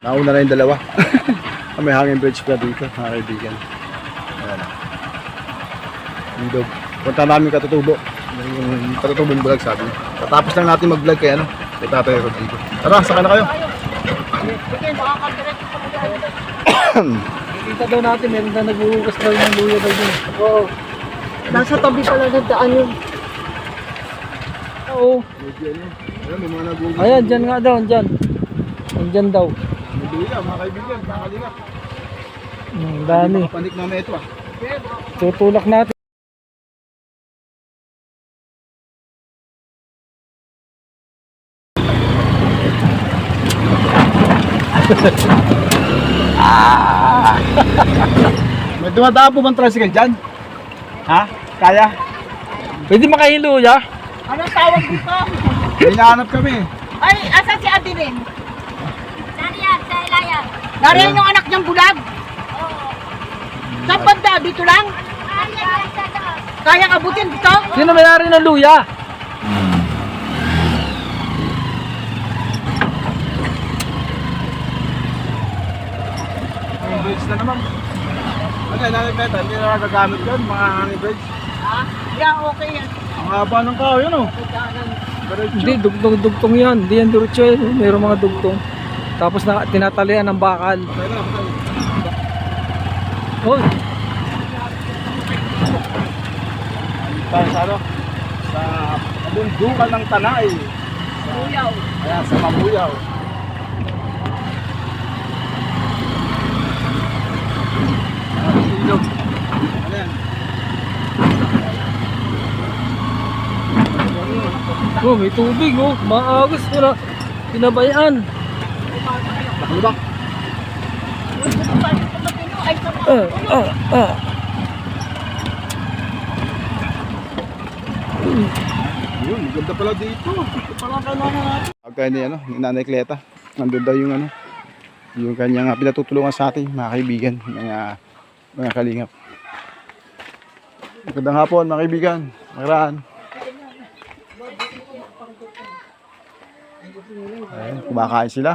Nauna na yung dalawa. May hanging bridge pa dito, mga kaibigan. Ayan. Indog. Punta namin Katutubo. Yung Katutubong vlog sabi. Tatapos lang natin mag-vlog kay ano, kay Tatay Rodrigo. Tara, saka na kayo. Kita daw natin, meron na nag-uugas daw ng luya daw dun. Oo. Nasa tabi pala ng daan yun. Oo. Ayan, may mga nag-uugas. Ayan, dyan nga daw, dyan. Dyan daw. Luya, mga kaibigan, mga kalingap. Dami. Panik namin ito ah. Tutulak natin. May dumadaan po bang tricycle dyan? Ha? Kaya? Pwede makahilo, ya? Anong tawag dito? May hinahanap kami. Ay, asan si Adeline? Nariyan, sa ilayan. Nariyan yung anak niyang bulag? Saan banda? Dito lang? Nariyan, sa doon. Kayang abutin dito? Sino may-ari ng luya? Hanging bridge na naman. Ano yun, hanging bridge? Hindi na nagagamit yun, mga hanging bridge. Ha? Yeah, okay yan. Ang haba ng kao yun oh. Hindi, dugtong yan. Hindi yan diretso yan. Mayroong mga dugtong. Tapos tinatalian ng bakal. Patay na, patay. Hoy, Tayo sa ano? Sa kabundukan ng Tanay. Buyaw. Ayan, sa Mabuyaw. Ilog. Ano yan? oh, may tubig, oh. Maagos, wala. Pinabayaan. Nakalubak. Ay, sa Yun, ganda pala dito. Ito pala kailangan natin. Pagka ni ano, ni Nanay Cleta, nandun daw yung ano, yung kanyang pinatutulungan sa atin, mga kaibigan, mga kalingap. Magandang hapon, mga kaibigan. Magraan. Ayun, kumakain sila.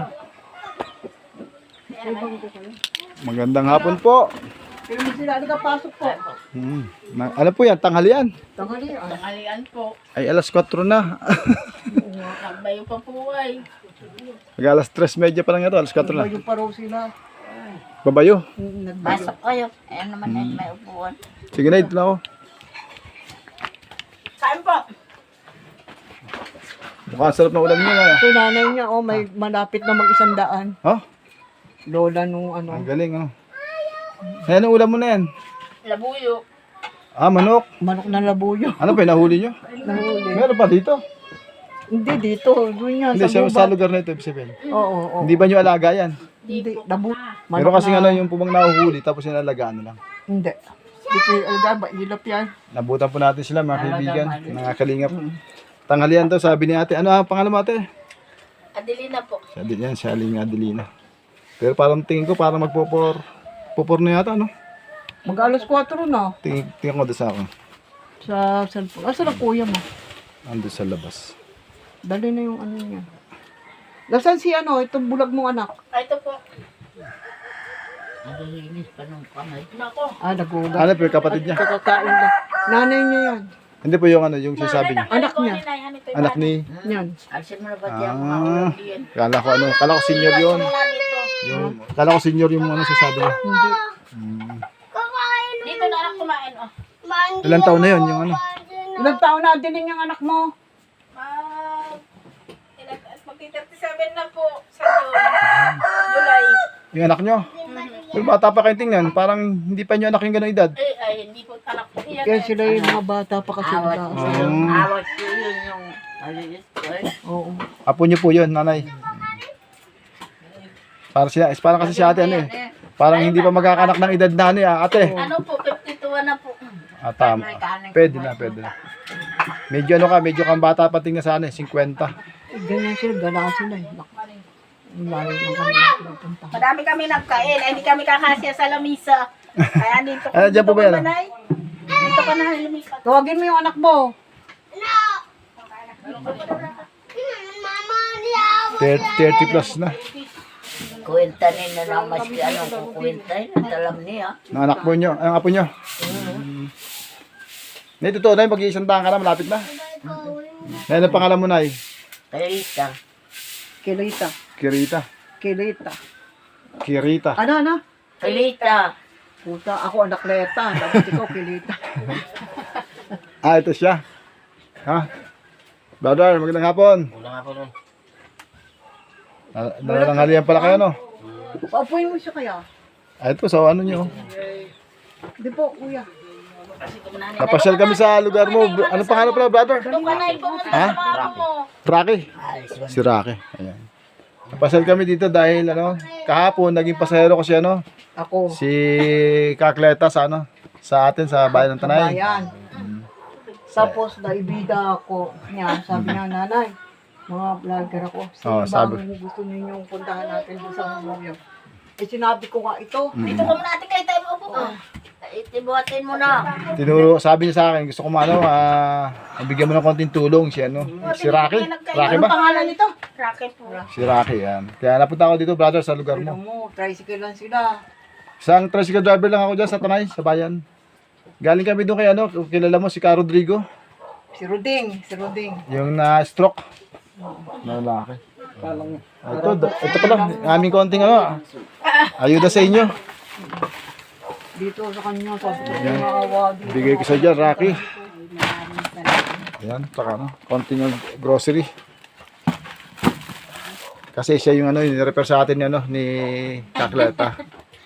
Magandang hapon po. Pero mo sila, pasok po. Ano po yan? Tanghalian. Tanghalian po. Ay, alas 4 na. Nagbayo pa po ay. Mag alas 3:30 pa lang ito, alas 4 na. Nagbayo pa raw sila. Babayo. Nagbayo. Kayo. Ayan naman ay may upuan. Sige na, ito na ako. Kain po. Mukhang sarap na ulam niya. Ito nanay niya, oh, may malapit na mag-100. Ha? Lola nung ano. Ang galing, ano. Ayan ang ulam mo na yan. Labuyo. Ah, manok. Manok na labuyo. Ano pa, nahuli nyo? Nahuli. Meron pa dito. Hindi dito, doon yan. Hindi, Sa sa gubat. lugar na ito, ibig sabihin. Oo. Hindi ba nyo alaga yan? Hindi, labu. Meron kasi ano yung pumang nahuhuli, tapos nilalagaan na lang. Hindi. Hindi ko yung alaga, ilap yan. Nabutan po natin sila, mga kaibigan, mga kalingap. Tanghalian to, sabi ni ate. Ano ang pangalan mo ate? Adelina po. Si Aling Adelina. Pero parang tingin ko, parang pupor na yata, no? Mag-alas 4 na. Tingin ko doon sa akin. Sa cellphone. Asa na kuya mo? Ando sa labas. Dali na yung ano niya. Nasaan si ano, itong bulag mong anak? Ay, ito po. Ah, nagugas. Ano po yung kapatid niya? Kakakain na. Nanay niya yan. Hindi po yung ano, yung sinasabi niya. Anak niya. Anak ni... Yan. Alsin mo na ba diyan mga ulam diyan? Kala ko senior yun. Kala ko senior yung ano sasabi niya. Hindi. Dito na anak kumain, oh. Ilang taon na yun, yung ano? Ilang taon na din yung anak mo? Magti-37 na po sa July. Yung anak nyo? Pero bata pa kayo tingnan, parang hindi pa nyo anak yung gano'ng edad. Ay, hindi po anak po yan. Kaya sila yung mga bata pa kasi. Awat po yun yung maliit ko eh. Oo. Apo nyo po yun, nanay. Parang kasi si ate ano eh. Parang hindi pa magkakanak ng edad na ano eh, ate. Ano po, 52 na po. Tama. Pwede na. Medyo ano ka, medyo kang bata pa tingnan sa ano eh, 50. Ganyan sila, gala sila eh. Ang layo ng kami pupunta. Madami kami nagkain, ay hindi kami kakasya sa lamisa. Kaya dito Ano, dyan po ba yan? Dito ka na lumipat. Tawagin mo yung anak mo. 30 plus na. Kuwenta nila na maski anong kukwenta yun. Alam niya. Ng anak po nyo, ang apo nyo. Nay, totoo na, mag-iisang taon ka na, malapit na. Nay, ano pangalan mo, Nay? Kalita. Kilita. Kirita. Kilita. Kirita. Ano? Kilita. Puta, ako anak Leta. Tapos ikaw, Kilita. Ah, ito siya. Ha? Brother, magandang hapon. Wala nga po nun. Nalanghalian pala kayo, no? Paupuin mo siya kaya. Ah, ito, sa ano nyo. Di po, kuya. Napasyal kami sa lugar mo. Ano pangalan pala, brother? Doon ka na pumunta Ha? sa mga apo mo. Rocky. Si Rocky. Ayan. Napasyal kami dito dahil ano, kahapon naging pasahero ko si ano, Ako. si Kakleta sa ano, sa atin sa bayan ng Tanay. Bayan. Tapos, naibida ako niya. Sabi niya, nanay, mga vlogger ako. Sino Oo, ba sabi. ang gusto ninyong puntahan natin doon sa memorial? Eh, sinabi ko nga ito. Dito ka muna ate kayo tayo maupo ka. Itibuhatin mo na. Tinuro, sabi niya sa akin, gusto ko ano, bigyan mo ng konting tulong si ano, si Rocky. Rocky Anong ba? pangalan nito? Rocket po. Si Rocky, yan. Kaya napunta ako dito, brother, sa lugar Tignan mo. mo, tricycle lang sila. Isang tricycle driver lang ako dyan sa Tanay, sa bayan. Galing kami doon kay ano, kilala mo si Ka Rodrigo, Si Ruding. yung na-stroke. Na lalaki. Palang Ito pala, aming konting ano, ayuda sa inyo. Dito sa kanya, sa maawa dito. Bigay ko sa dyan, Rocky. Ayan, saka ano, konting grocery. Kasi siya yung ano, yung sa atin ni, ano, ni Kakleta.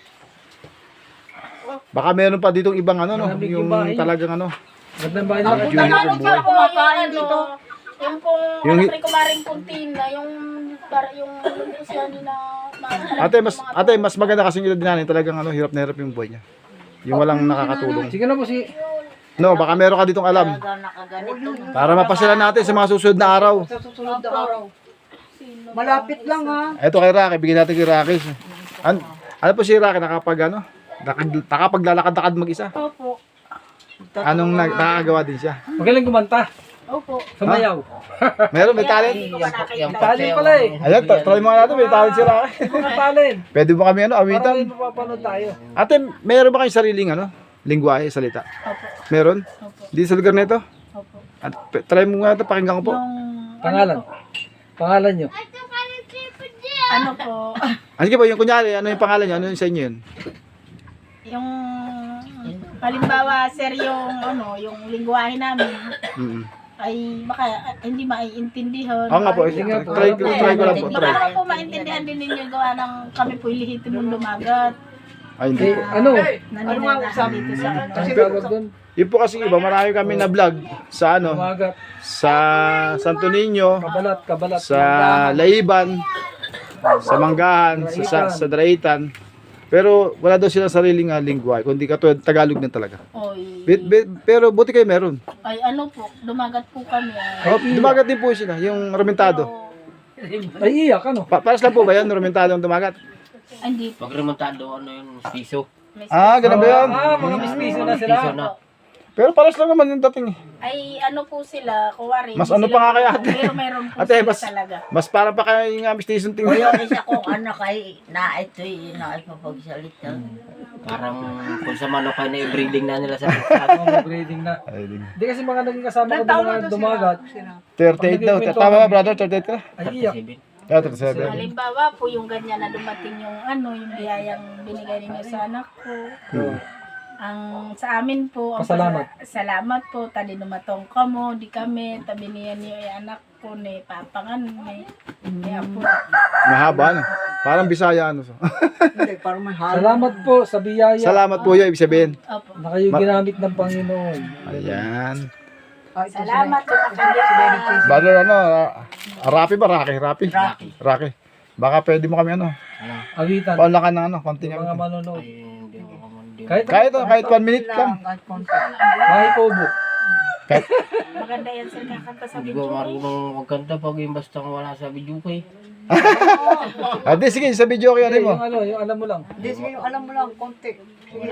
Baka meron pa ditong ibang ano, no, yung talagang ano. Gandang bahay Ang na. Junior ano boy. pa po, Kumakain yung dito. ano, yung pong Yung- yung kumaring puntina, yung siya nila. Ate, mas maganda kasi yung edad namin, talagang ano, hirap na hirap yung buhay niya. Yung walang nakakatulong. Sige na po si... No, baka meron ka ditong alam. Para mapasyalan natin sa mga susunod na araw. Sa susunod na araw. Malapit lang ha. Ito kay Rocky, bigyan natin kay Rocky. Ano po si Rocky, nakapaglalakad-lakad mag-isa? Opo. Anong nakakagawa din siya? Magaling kumanta. Opo. Sumayaw. Meron, may talent. Hindi ko pa nakita. Talent pala eh. Ayan, try mo nga natin, may talent si Rocky. Mga talent. Pwede mo kami ano, Para awitan. rin mapapanood tayo. Ate, meron ba kayong sariling ano, lingwahe, salita? Opo. Meron? Opo. Di sa lugar na ito? Opo. At try mo nga ito, pakinggan ko po. Yung Pangalan. Pangalan nyo. ano po, Ano sige po, yung kunyari, ano yung pangalan niyo? Ano yung sa inyo yun? yung halimbawa sir yung ano, yung lingwahe namin Mm. ay baka hindi maiintindihan. Oo nga po, Sige nga po. try ko lang po. Baka Try. naman po maintindihan din ninyo gawa ng kami po ilihitin mong lumagat. Ay, hindi. Eh, ano? Naninirahan dito sa ano. Ang tawag doon. Yun po kasi iba, marami kami na vlog sa ano, Umagat. sa Santo Niño, Kabalat. sa Laiban, sa Manggahan, sa Draitan. Pero wala daw silang sariling lingwahe, kundi katulad Tagalog na talaga. Oy. Pero buti kayo meron. Ay ano po, dumagat po kami. Oh, dumagat din po sila, yung romentado. Ay, iyak ano? Paras lang po ba yan, romentado ang dumagat? Hindi po. Pag remontado, ano yun, piso. Ganun ba yan? Mga mistiso na sila. Piso na. Pero paras lang naman yung dating eh. Ay ano po sila, kuwari. Mas hindi ano sila- pa nga kaya, ate? Pero meron po Ate, sila mas- talaga. Mas parang pa kayo yung mistisong tingin. Isa kong anak ay na ito'y naipapagsalita. Parang kung sa manok ay na-breeding na nila sa Mga breeding na. Ay, di. Hindi kasi mga naging kasama ko doon mga dumagat. 38 daw. Tama ba brother? 38 ka? Ay, iyak. 37. 37. Halimbawa po yung ganyan na dumating yung ano, yung biyayang binigay ninyo sa anak ko. Ang sa amin po, ang Pasalamat. salamat po, tali numatong ka mo, di kami, tabi niya niyo yung anak ko ni papangan ni. Kaya po, Mahaba ano? Parang Bisaya ano. Hindi, parang may halo. Salamat po sa biyaya Salamat po yun, ibig sabihin. opo. na kayo ginamit ng Panginoon. Ayan. Salamat po nakalimutan. Brother ano, Rapi ba? Rocky. Baka pwede mo kami ano. Awitan. Paulakan ng ano, konting Mga ano. manonood. Ay, hindi ko kamandi. Kahit Kahit 1 minute lang. bahay pobo. Maganda yan sir kakanta sa Hindi ko video. marunong magkanta pag yung basta wala sa video kay. Ah, di, sige, sa video kaya rin mo. Yung ano, yung alam mo lang. Hindi, sige, alam mo lang, konti. Sige,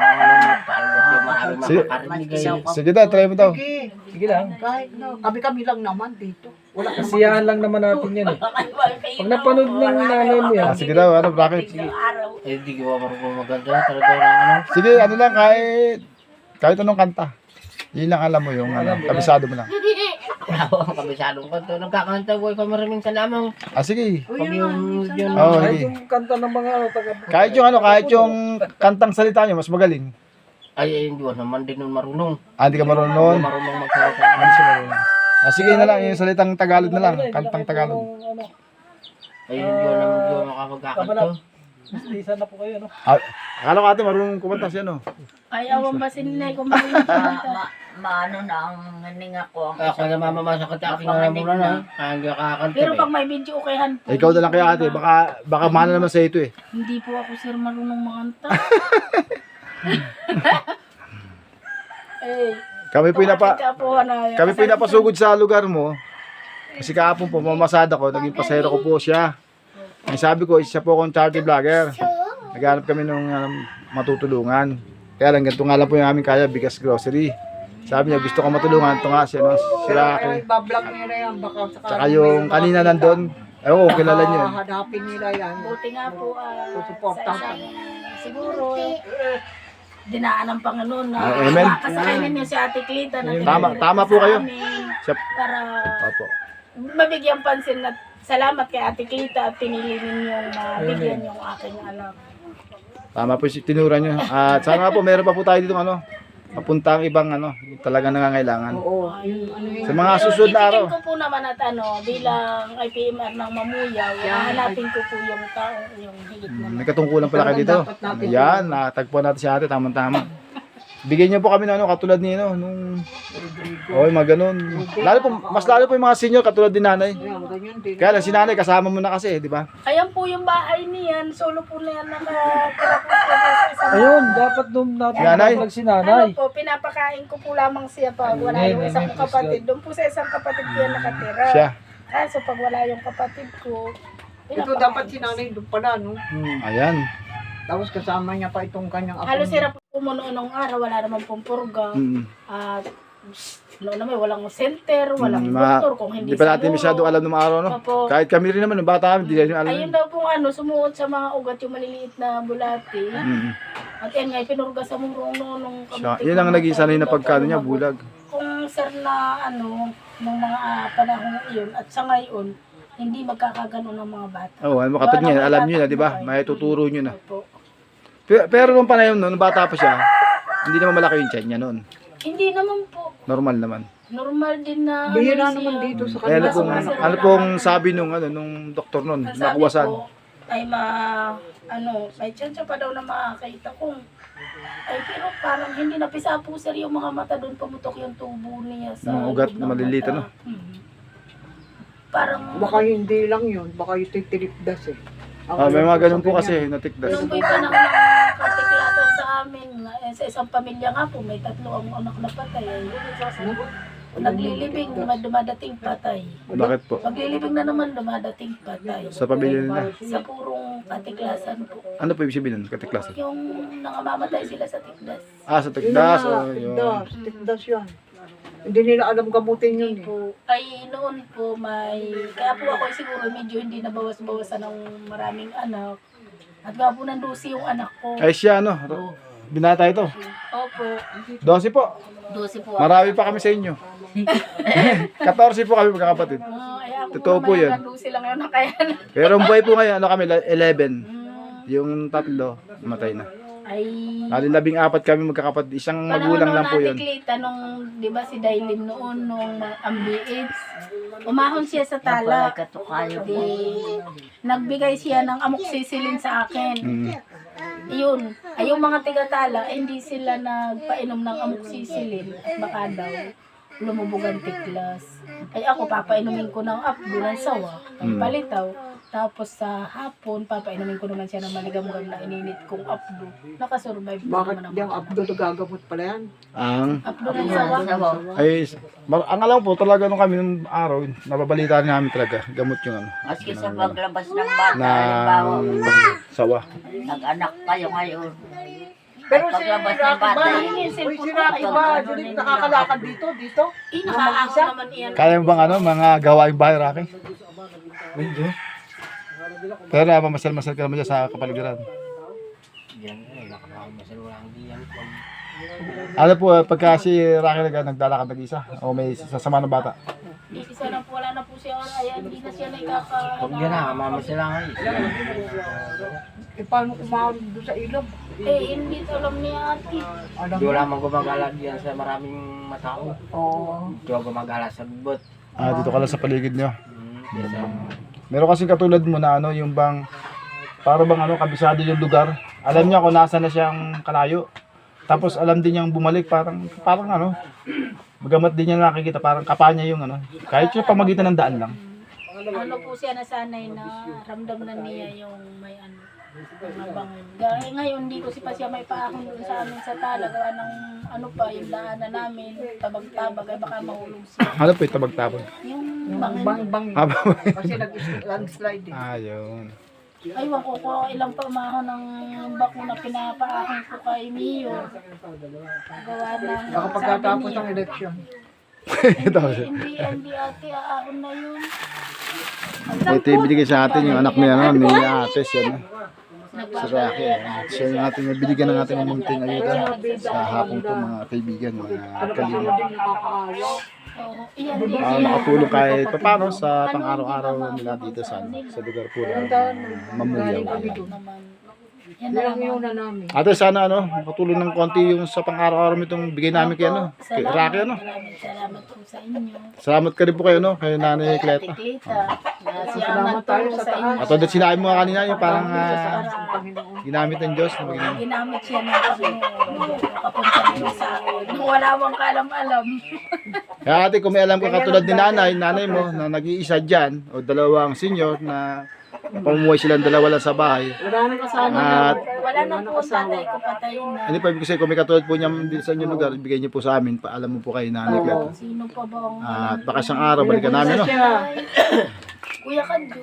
Sige. Makarinig kayo. Sige daw, try mo daw. sige. Sige lang. Kahit na, kami-kami lang naman dito. Wala naman. Kasiyahan lang naman natin yan eh. Pag napanood ng nanay mo yan, Ah, sige daw, ano, bakit? Eh, di ko marunong maganda. Talaga lang ano. Sige, ano lang, kahit anong kanta. Yun lang alam mo yung ano, kabisado mo lang. Wala ko ang kabisadong kanto. Nagkakanta ko ikaw maraming salamat. Ah, sige. Uy, Pag yung yun. Oo, kahit sige. yung kanta ng mga Kahit yung ano, kahit yung kantang salita niyo, mas magaling. Ay, hindi ko naman din nun marunong. Ah, hindi ka marunong Hindi noon. marunong magsalita. Hindi siya marunong. Ah, sige na lang, yung salitang Tagalog na lang, kantang Tagalog. Ano, Ay, hindi ko naman di ko makapagkakanto. isa na po kayo, no? Ah, akala ko ate marunong kumanta siya, no? Ay, awan ba sinilay kung marunong kumanta? Maano na ang hininga ko. Ako na mamamasa ka aking nga muna na. Kaya hindi kakakanta Pero eh. pag may video okayhan po. Ikaw na lang kaya ate, baka mana naman sa ito eh. Hindi po ako sir marunong makanta. Eh, Kami po kami po napasugod sa lugar mo. Kasi kahapon po, mamasada ko, naging pasahero ko po siya. Ang sabi ko, isa po akong charity vlogger. Naghanap kami ng matutulungan. Kaya lang, ganito nga lang po yung aming kaya, bigas grocery. Sabi niya, gusto ko matulungan. Ito nga, si Rocky. Ibablog nila yan, baka sakali Tsaka yung kanina nandun, ewan ko, kilala niyo yun. Hadapin nila yan. Buti nga po Susuportahan. sa isang siguro dinaan ng Panginoon na Amen. makasakay ninyo si Ate Clita na Tama po kayo. Siya, para opo. mabigyan pansin at salamat kay Ate Clita at pinili ninyong mabigyan yung aking anak. Tama po si tinura niyo. At sana nga po, meron pa po tayo dito papuntang ibang talagang nangangailangan. Oo, yung ano yun. Sa mga susunod na araw. Ititin ko po naman at bilang IPMR ng Mamuyaw, hanapin ko po yung taong yung higit naman. May katungkulan pala kayo dito. Ayan, natagpuan natin si ate, tamang-tama. Bigyan niyo po kami ng katulad ni nung mga ganun. Mas lalo po yung mga senior katulad din nanay. Yan, ganyan din. Kaya lang si nanay kasama mo na kasi, di ba? Ayan po yung bahay niyan, solo po na yan nakatira po siya sa isang Ayun, dapat nung natin Nanay? vlog si nanay. Ano po, pinapakain ko po lamang siya pag wala yung isang kapatid. Doon po sa isang kapatid ko yan nakatira. Siya. Kaso pag wala yung kapatid ko, Ito dapat si nanay doon pala, no? Ayan. Tapos kasama niya pa itong kanyang apo. halos sira po mo noong araw, wala naman pong purga. Mm. At noon naman, walang center, walang Ma- doktor, kung hindi Hindi pa natin siguro. masyado alam ng mga araw, no? Opo. Kahit kami rin naman, nung bata kami, hindi rin alam. Ayun daw pong sumuot sa mga ugat yung maliliit na bulati. Mm. At yan nga, pinurga sa murong noong Siya, yun ang naging sanay na pagkano niya, bulag. Kung sir na nung mga panahon iyon at sa ngayon, hindi magkakagano ng mga bata. Oo, katulad niya, alam niyo na, di ba? May tuturo niyo na. Opo. Pero nung panahon nung bata pa siya, hindi naman malaki yung tiyan niya noon. Hindi naman po. Normal naman. Normal din na Bihira siya. naman dito sa Eh, kanila. ano pong sabi nung doktor noon, Ang sabi nakuwasan. ko, ay may chance pa daw na makakita kung pero parang hindi napisa po sir yung mga mata doon, pumutok yung tubo niya sa Mga ugat loob na ng maliliit, mata. ano? Parang Baka hindi lang yun, baka yung titilipdas eh. Ang May alam mga ko ganun sa po ganyan. kasi, natikdas. nung may panahon ng katiklatan sa amin, sa isang pamilya nga po, may 3 ang anak na patay. Naglilibing, dumadating patay. Bakit po? Maglilibing na naman, dumadating patay. Sa pamilya nila. Sa purong katiklasan po. Ano po ibig sabihin nun, katiklasan? Yung nangamamatay sila sa tikdas. Sa Yun tikdas. na, Yun. tikdas yan. Hindi nila alam gamutin yun eh. Po, ay noon po kaya po ako siguro medyo hindi nabawas-bawasan ng maraming anak. At nga po nandusi yung anak ko. Ay siya, binata ito. Opo. 12 po. 12 po. Marami pa kami sa inyo. 14 po kami magkakapatid. Ay ako Totoo po naman yan. nandusi lang yun na kaya na. Pero ang buhay po ngayon, kami, 11. Yung 3, matay na. Ay, Kali 14 kami magkakapatid. Isang magulang lang po yun. Klita nung, di ba si Dailin noon, nung ambiits, umahon siya sa tala. Di, nagbigay siya ng amoxicillin sa akin. Yun, ay yung mga tigatala, hindi sila nagpainom ng amoxicillin at baka daw lumubog ang tiklas. Ay ako, papainumin ko ng apdo ng sawa, ng palitaw. Tapos sa hapon, papainumin ko naman siya ng maligam-gam na ininit kong apdo. Nakasurvive Bakit naman yung ako. Abdul gagamot pala yan? Ang Apdo ng sawa. ang alam po talaga nung kami nung araw, nababalita namin talaga gamot yung ano Maski sa paglabas ng bata, na halimbawa, sawa. nag-anak kayo ngayon. Pero At si paglabas ng Rocky bata, ba? Yung Uy, cellphone si ko, Rocky ay, ba? ano, Hindi nakakalakad dito? Nakaako naman iyan. Kaya mo bang ano, mga gawaing bahay, Rocky? Medyo. Pero mamasal-masal ka naman dyan sa kapaligiran. Yan, nakakamasal walang diyan. Ano po, pagka si Rocky naglalakad nag-isa o may sasama ng bata? Isa na po, wala na po siya. Ay, hindi na siya nakaka... Huwag yan na, mamasala nga eh. Eh, paano kumahal doon sa ilog? Hindi to alam ni ate. Alam Di mo? wala mang gumagala diyan sa maraming matao. Oo. Di wala gumagala sa bubot. Dito ka lang sa paligid nyo. Yes, Meron kasing katulad mo na ano, yung bang, para bang ano, kabisado yung lugar. Alam niya kung nasa na siyang kalayo. Tapos alam din niyang bumalik, parang ano, magamat din niya nakikita, parang kapa niya yung ano. Kahit siya pamagitan ng daan lang. Ano po siya nasanay na ramdam na niya yung may ano, mga bangon. Gaya ngayon, hindi ko pa siya may paahon doon sa amin sa talaga ng ano pa, yung daanan namin, tabag-tabag, ay baka mahulog siya. Ano po yung tabag-tabag? Yung Yung bangin. bang. Aba. Kasi nag-landslide eh. Ayun. Aywan ko kung ilang pamahon ng bako na pinapaahon ko kay Mio. Gawa ng Baka pagkatapos ng election. hindi ate, aahon na yun. Ito yung binigay sa atin yung anak niya, no? Ni ate siya, no? Si Rocky, siya yung ating nabinigyan ng ating munting ayuda sa hapon po mga kaibigan, mga kalingap. Oo, iyan din. Para makatulong kahit paano sa pang-araw-araw nila dito sa lugar po ng Mamuyaw. Naman. Yan Yan ang naman. yun na namin. Ate, sana ano, makatulong ng konti yung sa pang-araw-araw itong bigay namin kay ano, kay Rocky, ano. Salamat po sa inyo. Salamat ka rin po kayo, no, kay Nanay Cleta. Kleta. Salamat tayo sa taas. At ulit sinabi mo kanina yung parang Panginoon. ginamit ng Diyos. Ginamit siya ng Panginoon. Kapunta niyo sa akin. Nung wala bang kalam-alam. Kaya ate, kung may alam ka katulad ni nanay mo na nag-iisa dyan, o dalawang senior na pamumuhay silang dalawa lang sa bahay. Wala nang kasama. At Wala na po tatay ko, patayin na. ano pa ibig sabihin, kung may katulad po niya dito sa inyong lugar, ibigay niyo po sa amin, paalam mo po kay Nanay Cleta. Sino pa ba ang... At baka isang araw, balikan namin, no? Kuya Kadyo.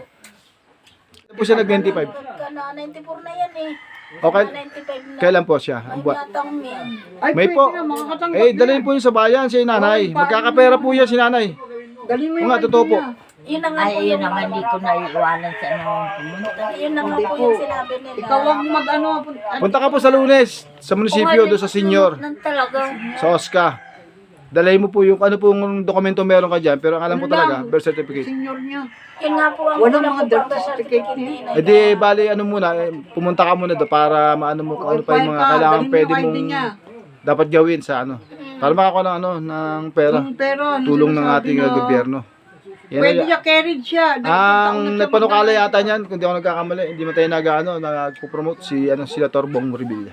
Ano po siya nag-95? Ka na, 94 na yan eh. Okay, 95 na. kailan po siya? Ay, Ang buwan? yatang men. Ay, May pwede po. na, makakatanggap Eh, na. dalhin po niyo sa bayan si nanay. Magkakapera po yan si nanay. Dalhin mo Oo yung nga, totoo po. niya. Yun na nga po Ay, yun yung naman, hindi ko naiiwanan sa ano pumunta. Yun na nga Hindi po po. yung sinabi nila. Ikaw ang mag-ano. Punta ka po sa Lunes, sa munisipyo, doon sa senior, Nang talaga. sa OSCA. Dalhin mo po yung ano pong dokumento meron ka dyan, pero ang alam ko Yun talaga, lang. birth certificate. Senior niya. Yun nga po ang Walang kulang mga ko death pang birth certificate certificate niya. Eh di, bali, ano muna, pumunta ka muna doon para maano mo kung ano pa yung mga kailangan pwede mong dapat gawin sa ano. Para makakuha ng ano, ng pera, Pero, ano tulong ng sinasabi ating na, gobyerno. Yan Pwede na- niya carried siya. Ang nagpanukala yata niyan, kung di ako nagkakamali, hindi man tayo nagpo-promote si Senator Bong Revilla.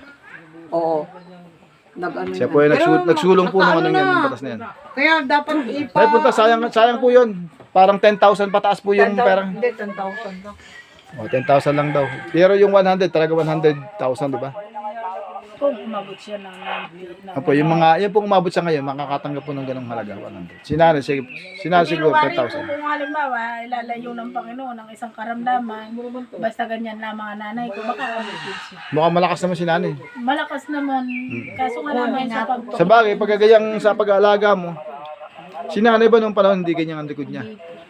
Oo. Nag-ano Siya po ay Pero, nagsulong po ng ano nakaano yan, na. yung batas na yan. Kaya dapat ipa... Ay punta, sayang po yun. Parang 10,000 pataas po yung 10,000 perang. Hindi, 10,000 lang. O, 10,000 lang daw. Pero yung 100, talaga 100,000, di ba? Kung umabot siya ng 90. Opo, yung mga, yan pong umabot sa ngayon, makakatanggap po ng ganong halaga, 100. Sinari siguro Hindi 10,000. kung halimbawa, ilalayo ng Panginoon ng isang karamdaman, basta ganyan lang mga nanay ko, baka abutin siya. Mukhang malakas naman si nanay. Malakas naman, kaso nga naman sa pag... Sa bagay, pagkagayang sa pag-aalaga mo, si nanay ba nung panahon hindi ganyan ang likod niya?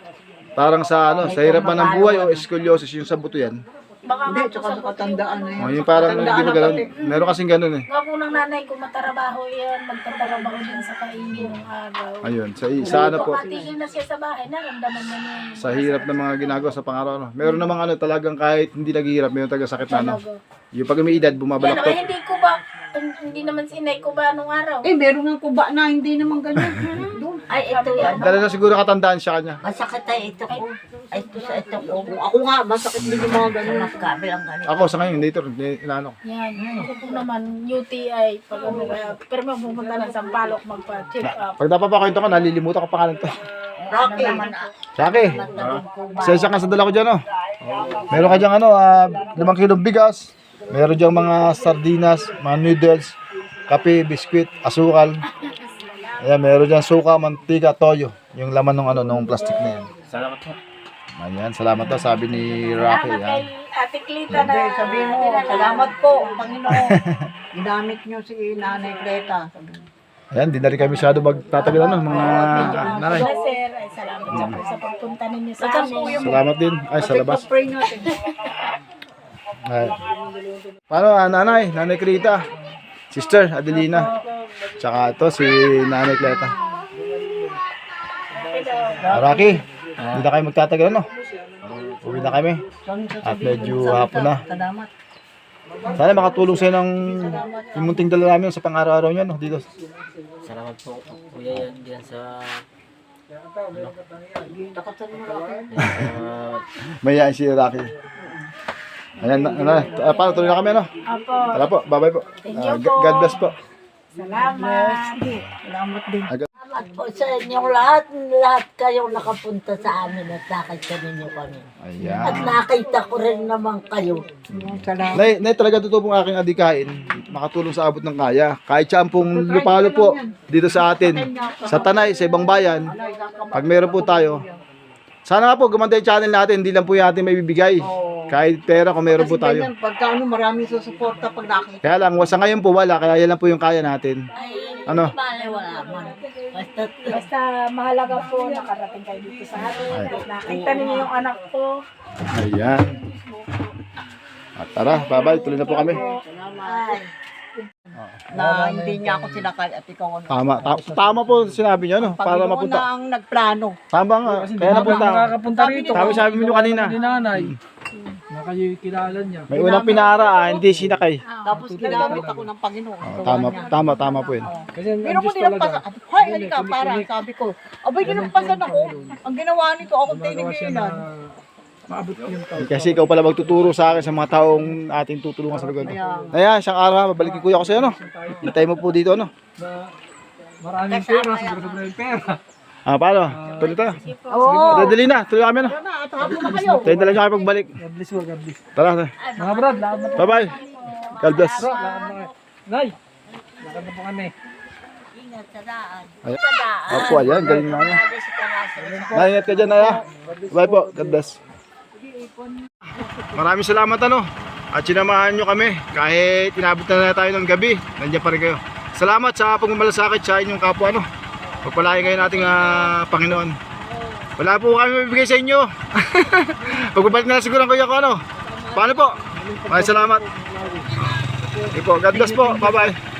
Parang sa ano, sa hirap man ng buhay o scoliosis yung sa buto yan. Baka Hindi, nga po tsaka sa sa katandaan na O, yan. yung parang Katandaan hindi ba na ganun? pati. Meron kasing ganun eh. Nga po ng nanay ko, matarabaho yan, magtatrabaho din sa kaingin ng araw. Ayun, sa ano po, Patigil na siya sa bahay, naramdaman na niya yung sa hirap ng mga ginagawa sa pang-araw. Meron namang ano talagang kahit hindi naghihirap, meron talagang sakit na ano. talaga. Yung pag may edad, Yan, bumabalaktot. ay, hindi ko ba, hindi naman sinay ko ba nung araw? Eh, meron nga kuba na hindi naman ganyan. Doon. Ay, ito yan. Dala na siguro katandaan siya kanya. Masakit ay ito ko. Ay, ito sa ito ko. Ako nga, masakit din yung mga ganyan. Mas kabilang ganito. Ako sa ngayon, later, inaano ko. Yan, ako po naman, UTI, pag ano, pero may pumunta ng Sampaloc magpa-check up. Pag napapakwento ko, nalilimutan ko pangalan to. Rocky. Saki, sensya ka sa dala ko dyan, oh. Meron ka dyan, 5 kilong bigas. Meron dyan mga sardinas, mga noodles, kape, biskwit, asukal. Ayan, meron dyan suka, mantika, toyo. Yung laman ng plastic na yan. Salamat po. Ayan, salamat daw, sabi ni Rocky. Salamat kay Ayan. Ate Clita na Hindi, sabihin mo, salamat po, Panginoon. Ginamit niyo si Nanay Cleta. Ayan, di na rin kami masyado magtatagal, mga nanay. na sir. Ay, salamat sa po sa pagpunta ninyo sa amin. Salamat din. Ay, sa labas. Pray natin. Ay. Paano, nanay? Nanay Crita. Sister, Adelina. Tsaka ito, si Nanay Cleta. Rocky, hindi na kayo magtatagal, Uwi na kami. At medyo hapon na. Salamat. Sana makatulong sa'yo ng yung munting dala namin sa pang-araw-araw niyo, dito. Salamat po, kuya, yan diyan sa... Mayaan si Rocky. Ayan, paano, tuloy na kami, Apo. Tara po, bye-bye po. Thank you po. God bless po. Salamat. Salamat din. Salamat po sa inyong lahat. Lahat kayong nakapunta sa amin at nakita ninyo kami. Ayan. At nakita ko rin naman kayo. Salamat. Nay, talaga totoo pong aking adikain, makatulong sa abot ng kaya. Kahit siya pong lupalo po dito sa atin, sa Tanay, sa ibang bayan, pag meron po tayo, sana nga po gumanda yung channel natin, hindi lang po yung ating may bibigay. Kahit pera kung meron po Kasi tayo. ganyan, pagka maraming susuporta pag nakita. Kaya lang, sa ngayon po wala, kaya yan lang po yung kaya natin. Ano? Bale, wala man. Basta Basta mahalaga po nakarating kayo dito sa amin. At nakita ninyo yung anak ko. Ayan. At tara, bye-bye, tuloy na po kami. Na hindi niya ako sinakay at ikaw Tama po sinabi niyo, para Panginoon mapunta. na ang nagplano. Tama nga, kaya napunta. Makakapunta rito. Sabi niyo kanina. Ni nanay. Na kayo kilala niya. May unang pinara, hindi sinakay. Tapos ginamit ako ng Panginoon. Tama po yun. Kasi ang Pero ko Diyos nilampasan. talaga. Hay, halika, para. Sabi ko, abay, nilampasan ako. Ang ginawa nito, ako tinigilan. Maabot yung tao. Kasi ikaw pala magtuturo sa akin sa mga taong ating tutulungan sa lugar. Ayan, isang araw, babalik kuya ko sa'yo, Hintay mo po dito, Na maraming pera, sobra-sobra yung pera. Paano? Tuloy tayo. Oo. Dadali na, tuloy kami, Tara na, at hapon na kayo. Tayo dala nyo kayo pagbalik. God bless you, God bless. Tara, Mga brad, lakad na po. bye-bye. God bless. Bro, lakad na kayo. Nay, lakad na po kami. ingat sa daan. Ayan. Sa daan. Opo, ayan, galing na niya. Kasi ka nasa Naingat ka dyan, Naya. Bye po, God bless. Maraming salamat, At sinamahan nyo kami. Kahit inabot na tayo ng gabi, nandiyan pa rin kayo. Salamat sa pagmamalasakit sa inyong kapwa, Pagpalain kayo nating Panginoon. Wala po kami mabibigay sa inyo. Pagbabalik na lang siguro ang kuya ko, Paano po? Maraming salamat. Okay po, God bless po. Bye-bye.